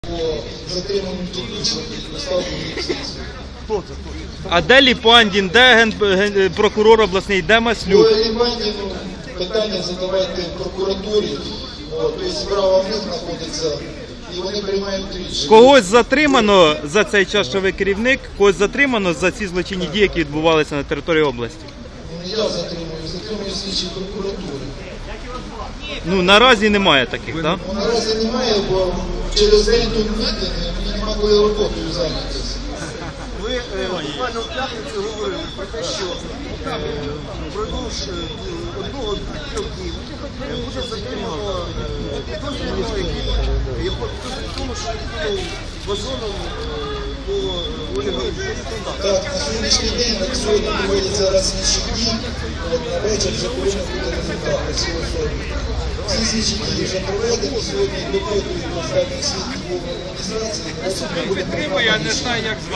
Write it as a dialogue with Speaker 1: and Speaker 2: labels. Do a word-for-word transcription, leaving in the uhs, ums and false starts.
Speaker 1: По затриманню дільничних поставлені слідство.
Speaker 2: А де Ліпандін, де ген... ген- прокурор обласний, де Маслюк?
Speaker 1: По Лівандіну питання задавайте в прокуратурі, о, тобто справа в них знаходиться, і вони приймають рішення.
Speaker 2: Когось затримано за цей час, що ви керівник, когось затримано за ці злочинні дії, які відбувалися на території області?
Speaker 1: Не я затримую, затримую слідчі прокуратури.
Speaker 2: Ну, наразі немає таких, так?
Speaker 1: Ну, наразі немає, бо через день тут мітинги, мені нема коли роботою зайнятися.
Speaker 3: Ви е, буквально в п'ятницю говорили про те, що е, впродовж е, одного-трьох днів е, буде затримано е, підозрюваного, який є в тому, що ну, вазоном е, по олігархії.
Speaker 1: Так, на сьогоднішній день, на сьогодні проводяться розслідчі дії, от на вечір вже повинен бути результат по цій особі. Всі слідчі дії вже проведені, сьогодні допитують останніх свідків адміністрації, і буде приймати рішення.